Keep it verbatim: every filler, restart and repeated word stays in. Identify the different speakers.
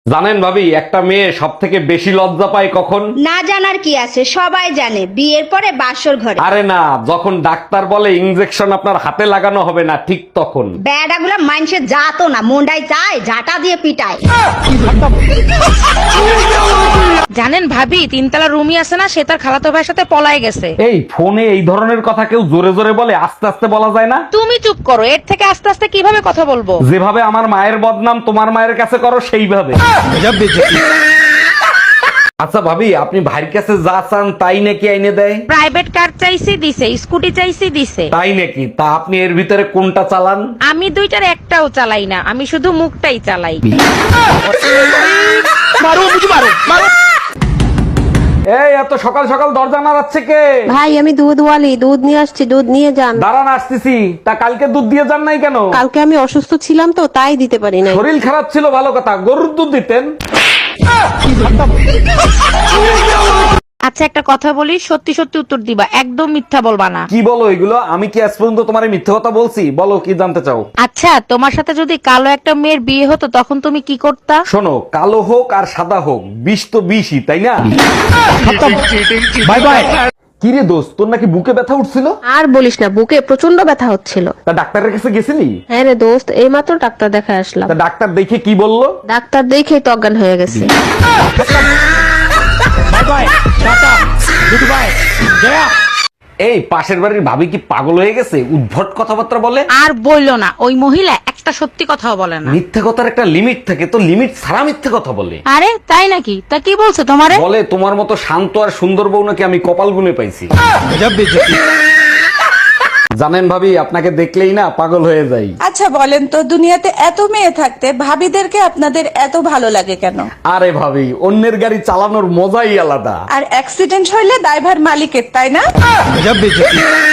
Speaker 1: জানেন ভাবি, একটা মেয়ে সব থেকে বেশি লজ্জা পায় কখন?
Speaker 2: না জানার কি আছে, সবাই জানে বিয়ের পরে বাসর ঘরে।
Speaker 1: আরে না, যখন ডাক্তার বলে ইনজেকশন আপনার হাতে লাগানো হবে না, ঠিক তখন।
Speaker 2: বেড়াগুলা মানুষে যাতো না, মুন্ডাই চায় ঝাঁটা দিয়ে পিটায়।
Speaker 3: জানেন ভাবি, তিনতলা রুমি আছে না, সে তার খালাতো ভাইয়ের সাথে পলায় গেছে।
Speaker 1: এই ফোনে এই ধরনের কথা কেউ জোরে জোরে বলে, আস্তে আস্তে বলা যায় না?
Speaker 3: তুমি চুপ করো, এর থেকে আস্তে আস্তে কিভাবে কথা বলবো?
Speaker 1: যেভাবে আমার মায়ের বদনাম তোমার মায়ের কাছে করো সেইভাবে। আচ্ছা ভাবি, আপনি ভাইয়ের কাছে যা চান তাই নাকি আইনে দেয়?
Speaker 3: প্রাইভেট কার চাইছি দিছে, স্কুটি চাইছি দিছে।
Speaker 1: তাই নাকি? তা আপনি এর ভিতরে কোনটা চালান?
Speaker 3: আমি দুইটার একটাও চালাই না, আমি শুধু মুখটাই চালাই।
Speaker 1: এই এত সকাল সকাল দরজা নাড়াচ্ছে কে?
Speaker 4: ভাই আমি দুধ ওয়ালি, দুধ নিয়ে আসছি, দুধ নিয়ে যান।
Speaker 1: দাঁড়ান, আসতেছি। তা কালকে দুধ দিয়ে যান নাই কেন?
Speaker 4: কালকে আমি অসুস্থ ছিলাম তো, তাই দিতে পারি নাই।
Speaker 1: শরীর খারাপ ছিল ভালো কথা, গরুর দুধ দিতেন।
Speaker 3: আচ্ছা একটা কথা বলি, সত্যি সত্যি উত্তর দিবা, একদম মিথ্যা বলবা না।
Speaker 1: কি বলো এগুলো? আমি কি আজ পর্যন্ত তোমার মিথ্যে কথা বলছি? বলো কি জানতে চাও?
Speaker 3: আচ্ছা, তোমার সাথে যদি কালো একটা মেয়ের বিয়ে হতো তখন তুমি কি করতা?
Speaker 1: শোনো, কালো হোক আর সাদা হোক, বিষ তো বিষই, তাই না? Bye bye. কি রে দোস্ত, তোর নাকি বুকে ব্যথা উঠছিল?
Speaker 4: আর বলিস না, বুকে প্রচন্ড ব্যথা হচ্ছিল।
Speaker 1: তা ডাক্তারের কাছে গেছিলি?
Speaker 4: হ্যাঁ রে দোস্ত, এইমাত্র ডাক্তার দেখায় আসলাম।
Speaker 1: তা ডাক্তার দেখে কি বললো?
Speaker 4: ডাক্তার দেখেই তো অজ্ঞান হয়ে গেছে।
Speaker 1: এই পাশের বাড়ির ভাবি কি পাগল হয়ে গেছে? উদ্ভট কথাবার্তা বলে।
Speaker 3: আর বললো না, ওই মহিলা একটা সত্যি কথাও বলে না।
Speaker 1: মিথ্যে কথার একটা লিমিট থাকে, তো লিমিট ছাড়া মিথ্যে কথা বলে।
Speaker 3: আরে তাই নাকি? তা কি বলছে তোমারে?
Speaker 1: বলে তোমার মতো শান্ত আর সুন্দর বউ নাকি আমি কপাল গুনে পাইছি। জানেন ভাবি, আপনাকে দেখলেই না পাগল হয়ে যাই।
Speaker 5: আচ্ছা বলেন তো, দুনিয়াতে এত মেয়ে থাকতে ভাবিদেরকে আপনাদের এত ভালো লাগে কেন?
Speaker 1: আরে ভাবি, অন্যের গাড়ি চালানোর মজাই আলাদা।
Speaker 5: আর অ্যাক্সিডেন্ট হইলে দায়ভার মালিকের, তাই না?